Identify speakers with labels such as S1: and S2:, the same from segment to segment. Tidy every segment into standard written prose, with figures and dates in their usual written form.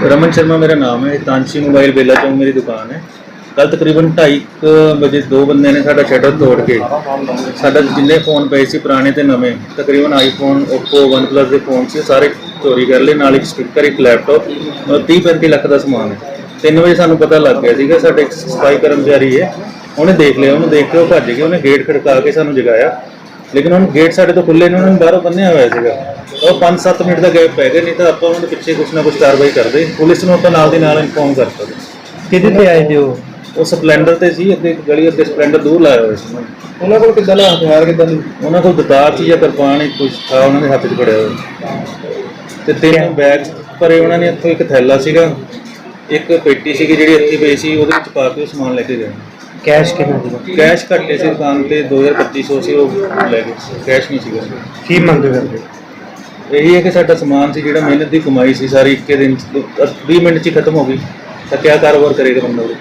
S1: रमन शर्मा मेरा नाम है। तांशी मोबाइल बेला चौक मेरी दुकान है। कल तकरीबन 2:30 बजे दो बंदे ने साडा शटर तोड़ के साडा जिन्ने फोन पे सी पुराने ते नवे तकरीबन आईफोन ओप्पो वन प्लस के फोन से सारे चोरी कर लए। नाल एक स्पीकर एक लैपटॉप और 30-35 लाख का समान है। 3 वजे सानू पता लग गया सीगा। साडे एक सफाई कर्मचारी है, उन्हें देख लिया, उन्हें देख के वो भज गया। उन्हें गेट खड़का के सानू जगाया, लेकिन उन्होंने गेट साडे तो खुले ने, उन्होंने बाहरों बन्निया हुआ सीगा। और 5-7 मिनट का गैप पै गया, नहीं तो आप उन्होंने पिछे कुछ ना कुछ कार्रवाई करते। पुलिस ਨੂੰ ਆਪਾਂ ਨਾਲ ਦੀ ਨਾਲ ਇਨਫੋਰਮ ਕਰਤਾ।
S2: ਕਿਹਦੇ ਤੇ ਆਏ ਤੇ
S1: ਉਹ ਸਪਲੈਂਡਰ ਤੇ ਸੀ, ਅੱਗੇ ਗਲੀ ਅੱਗੇ ਸਪਲੈਂਡਰ ਦੂਰ ਲਾਇਆ ਹੋਇਆ ਸੀ।
S2: ਉਹਨਾਂ ਕੋਲ ਕਿੱਦਾਂ ਦਾ ਹਥਿਆਰ ਕਿੱਦਾਂ ਦੀ?
S1: ਉਹਨਾਂ ਕੋਲ ਦਤਾਰ ਸੀ ਜਾਂ ਕਿਰਪਾਨ ਹੀ ਕੁਝ ਥਾ ਉਹਨਾਂ ਦੇ ਹੱਥ 'ਚ ਫੜਿਆ ਹੋਇਆ। ਤੇ 3 ਬੈਗ ਭਰੇ ਉਹਨਾਂ ਨੇ। ਇੱਥੋਂ ਇੱਕ ਥੈਲਾ ਸੀਗਾ, ਇੱਕ ਪੇਟੀ ਸੀਗੀ ਜਿਹੜੀ ਇੱਥੇ ਪਈ ਸੀ, ਉਹਦੇ ਵਿੱਚ ਪਾ ਕੇ ਉਹ ਸਮਾਨ ਲੈ ਕੇ ਗਏ।
S2: ਕੈਸ਼ ਕਿੰਨਾ ਸੀਗਾ?
S1: ਕੈਸ਼ ਘੱਟੇ ਸੀ ਦੁਕਾਨ ਤੇ 2200 ਸੀ, ਉਹ ਲੈ ਗਏ। ਕੈਸ਼ ਨਹੀਂ ਸੀਗਾ।
S2: ਕੀ ਮੰਗ ਕਰਦੇ?
S1: ਇਹੀ ਹੈ ਕਿ ਸਾਡਾ ਸਮਾਨ ਸੀ ਜਿਹੜਾ ਮਿਹਨਤ ਦੀ ਕਮਾਈ ਸੀ ਸਾਰੀ, ਇੱਕੇ ਦਿਨ 20 ਮਿੰਟ 'ਚ ਹੀ ਖਤਮ ਹੋ ਗਈ। ਤਾਂ ਕਿਆ ਕਾਰੋਬਾਰ ਕਰੇਗਾ ਬੰਦਾ ਉਹ?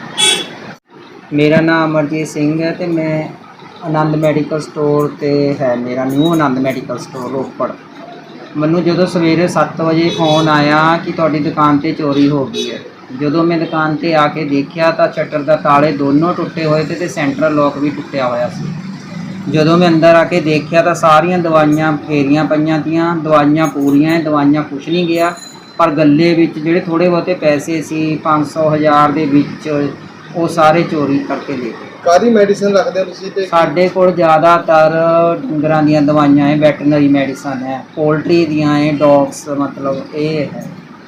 S3: ਮੇਰਾ ਨਾਮ ਅਮਰਜੀਤ ਸਿੰਘ ਹੈ ਤੇ ਮੈਂ ਆਨੰਦ ਮੈਡੀਕਲ ਸਟੋਰ ਤੇ ਹੈ ਮੇਰਾ new Anand medical store Ropar. ਮੈਨੂੰ ਜਦੋਂ ਸਵੇਰੇ 7 ਵਜੇ ਫੋਨ ਆਇਆ ਕਿ ਤੁਹਾਡੀ ਦੁਕਾਨ ਤੇ ਚੋਰੀ ਹੋ ਗਈ ਹੈ। ਜਦੋਂ ਮੈਂ ਦੁਕਾਨ ਤੇ ਆ ਕੇ ਦੇਖਿਆ ਤਾਂ ਸ਼ਟਰ ਦਾ ਤਾਲੇ ਦੋਨੋਂ ਟੁੱਟੇ ਹੋਏ ਤੇ ਸੈਂਟਰਲ ਲੋਕ ਵੀ ਟੁੱਟਿਆ ਹੋਇਆ ਸੀ। ਜਦੋਂ ਮੈਂ ਅੰਦਰ ਆ ਕੇ ਦੇਖਿਆ ਤਾਂ ਸਾਰੀਆਂ ਦਵਾਈਆਂ ਫੇਰੀਆਂ ਪਈਆਂ ਤੀਆਂ। ਦਵਾਈਆਂ ਪੂਰੀਆਂ, ਦਵਾਈਆਂ ਕੁਛ ਨਹੀਂ ਗਿਆ, ਪਰ ਗੱਲੇ ਵਿੱਚ ਜਿਹੜੇ ਥੋੜ੍ਹੇ ਬਹੁਤੇ ਪੈਸੇ ਸੀ 500-1000 ਦੇ ਵਿੱਚ, ਉਹ ਸਾਰੇ ਚੋਰੀ ਕਰਕੇ ਲੈ ਗਏ।
S2: ਕਾਹਦੀ ਮੈਡੀਸਨ ਰੱਖਦੇ ਹੋ ਤੁਸੀਂ? ਤੇ
S3: ਸਾਡੇ ਕੋਲ ਜ਼ਿਆਦਾਤਰ ਡੰਗਰਾਂ ਦੀਆਂ ਦਵਾਈਆਂ ਹੈ, ਵੈਟਰਨਰੀ ਮੈਡੀਸਨ ਹੈ, ਪੋਲਟਰੀ ਦੀਆਂ ਹੈ, ਡੌਗਸ ਮਤਲਬ ਇਹ ਹੈ।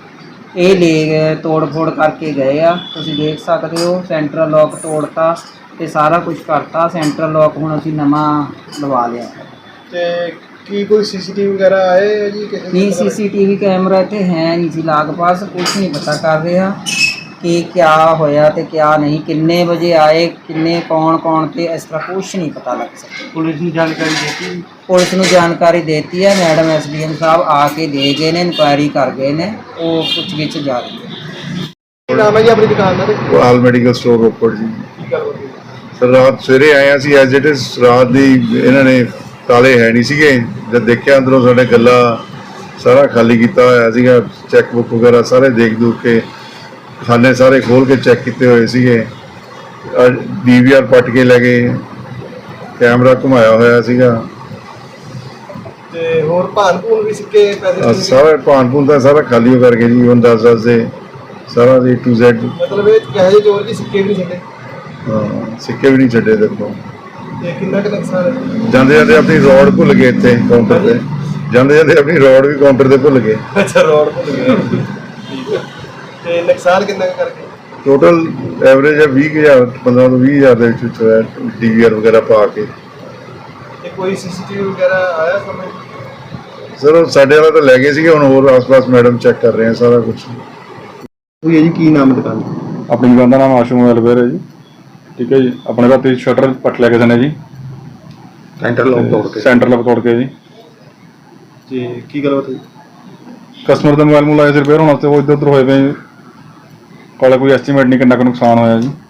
S3: ਇਹ ਲੈ ਤੋੜ ਫੋੜ ਕਰਕੇ ਗਏ ਆ, ਤੁਸੀਂ ਦੇਖ ਸਕਦੇ ਹੋ। ਸੈਂਟਰਲ ਲੋਕ ਤੋੜਤਾ ਤੇ ਸਾਰਾ ਕੁਝ ਕਰਤਾ। ਸੈਂਟਰਲ ਲੋਕ ਹੁਣ ਅਸੀਂ ਨਵਾਂ ਲਵਾ ਲਿਆ।
S2: ਤੇ ਕੀ ਕੋਈ ਸੀਸੀਟੀਵੀ ਵਗੈਰਾ ਆਏ ਜੀ? ਕਿਸੇ
S3: ਨਹੀਂ, ਸੀਸੀਟੀਵੀ ਕੈਮਰਾ ਇੱਥੇ ਹੈ ਨਹੀਂ ਸੀ ਲਾਗ ਪਾਸ। ਕੁਛ ਨਹੀਂ ਪਤਾ ਕਰ ਰਿਹਾ ਕਿ ਕਿਆ ਹੋਇਆ ਤੇ ਕਿਆ ਨਹੀਂ, ਕਿੰਨੇ ਵਜੇ ਆਏ, ਕਿੰਨੇ ਕੌਣ ਤੇ ਇਸ ਤਰ੍ਹਾਂ ਕੁਛ ਨਹੀਂ ਪਤਾ ਲੱਗ ਸਕਦਾ।
S2: ਪੁਲਿਸ ਨੂੰ ਜਾਣਕਾਰੀ ਦਿੱਤੀ?
S3: ਪੁਲਿਸ ਨੂੰ ਜਾਣਕਾਰੀ ਦੇਤੀ ਹੈ। ਮੈਡਮ SDM ਸਾਹਿਬ ਆ ਕੇ ਦੇ ਗਏ ਨੇ, ਇਨਕੁਆਇਰੀ ਕਰ ਗਏ ਨੇ, ਉਹ ਪੁੱਛ ਗਿੱਛ ਜਾਰੀ ਹੈ।
S2: ਕੀ ਨਾਮ ਹੈ ਜੀ ਆਪਣੀ ਦੁਕਾਨ ਦਾ?
S4: All medical store Ropar ji.
S2: ਕੀ ਗੱਲ ਹੋਈ?
S4: ਸਰ ਰਾਤ ਸਵੇਰੇ ਆਏ ਸੀ ਐਜ਼ ਇਟ ਇਜ਼। ਰਾਤ ਦੀ ਇਹਨਾਂ ਨੇ ਤਾਲੇ ਹੈ ਨਹੀਂ ਸੀਗੇ। ਜਦ ਦੇਖਿਆ ਅੰਦਰੋਂ ਸਾਡੇ ਗੱਲਾ ਸਾਰਾ ਖਾਲੀ ਕੀਤਾ ਹੋਇਆ ਸੀਗਾ। ਚੈੱਕ ਬੁੱਕ ਵਗੈਰਾ ਸਾਰੇ ਦੇਖ ਦੂਖ ਕੇ, ਖਾਨੇ ਸਾਰੇ ਖੋਲ ਕੇ ਚੈੱਕ ਕੀਤੇ ਹੋਏ ਸੀਗੇ। DVR ਪੱਟ ਕੇ ਲੈ ਗਏ, ਕੈਮਰਾ ਘੁਮਾਇਆ ਹੋਇਆ ਸੀਗਾ।
S2: ਤੇ ਹੋਰ ਭਾਨ ਭੂਨ ਵੀ ਸਿੱਕੇ ਪੈਸੇ?
S4: ਸਾਰਾ ਭਾਨ ਭੂਨ ਦਾ ਸਾਰਾ ਖਾਲੀ ਹੋ ਕਰਕੇ ਜੀ। ਹੁਣ 10 ਦੇ ਸਾਰਾ A to Z।
S2: ਮਤਲਬ ਇਹ ਕਹੇ ਜੇ ਚੋਰ ਜੀ ਸਿੱਕੇ ਵੀ ਨਹੀਂ ਛੱਡੇ?
S4: ਹਾਂ, ਸਿੱਕੇ ਵੀ ਨਹੀਂ ਛੱਡੇ ਦੇਖੋ।
S2: ਤੇ ਕਿੰਨਾ ਕੁ ਨੁਕਸਾਨ ਹੈ?
S4: ਜਾਂਦੇ ਜਾਂਦੇ ਆਪਣੀ ਰੋਡ ਭੁੱਲ ਗਏ ਇੱਥੇ ਕਾਊਂਟਰ ਤੇ। ਜਾਂਦੇ ਜਾਂਦੇ ਆਪਣੀ ਰੋਡ ਵੀ ਕਾਊਂਟਰ ਤੇ ਭੁੱਲ ਗਏ।
S2: ਅੱਛਾ, ਰੋਡ ਭੁੱਲ ਗਏ। ਠੀਕ ਹੈ। ਤੇ ਨੁਕਸਾਨ ਕਿੰਨਾ ਕੁ ਕਰਕੇ?
S4: ਟੋਟਲ ਐਵਰੇਜ ਹੈ 20000, 15 ਤੋਂ 20000 ਦੇ ਵਿੱਚ ਹੋਇਆ DVR ਵਗੈਰਾ ਪਾ ਕੇ।
S2: ਤੇ ਕੋਈ ਸੀਸੀਟੀਵੀ ਵਗੈਰਾ ਆਇਆ ਸਾਹਮਣੇ?
S4: ਸਰ ਸਾਡੇ ਵਾਲਾ ਤਾਂ ਲੈ ਗਏ ਸੀਗੇ। ਹੁਣ ਹੋਰ ਆਸ-ਪਾਸ ਮੈਡਮ ਚੈੱਕ ਕਰ ਰਹੇ ਆ ਸਾਰਾ ਕੁਝ।
S2: ਕੋਈ ਹੈ ਜੀ? ਕੀ ਨਾਮ ਹੈ ਦੁਕਾਨ ਦਾ?
S5: ਆਪਣੀ ਦੁਕਾਨ ਦਾ ਨਾਮ ਆਸ਼ੂ ਮੋਬਾਈਲ ਵੇਅਰ ਹੈ ਜੀ। ਠੀਕ ਹੈ ਜੀ। ਆਪਣੇ ਰਾਤੀ ਸ਼ਟਰ ਪੱਟ ਲਿਆ ਕਿਸੇ ਨੇ ਜੀ,
S2: ਸੈਂਟਰਲ
S5: ਲੋਕ ਤੋੜ ਕੇ ਜੀ।
S2: ਤੇ ਕੀ ਗੱਲਬਾਤ ਹੋਈ?
S5: ਕਸਟਮਰ ਦਾ ਮੋਬਾਈਲ ਆਇਆ ਸੀ ਰਿਪੇਅਰ ਹੋਣ ਵਾਸਤੇ, ਉਹ ਇੱਧਰ ਉੱਧਰ ਹੋਏ ਪਏ। ਕਾਲੇ ਕੋਈ ਐਸਟੀਮੇਟ ਨਹੀਂ ਕਿੰਨਾ ਕੁ ਨੁਕਸਾਨ ਹੋਇਆ ਜੀ।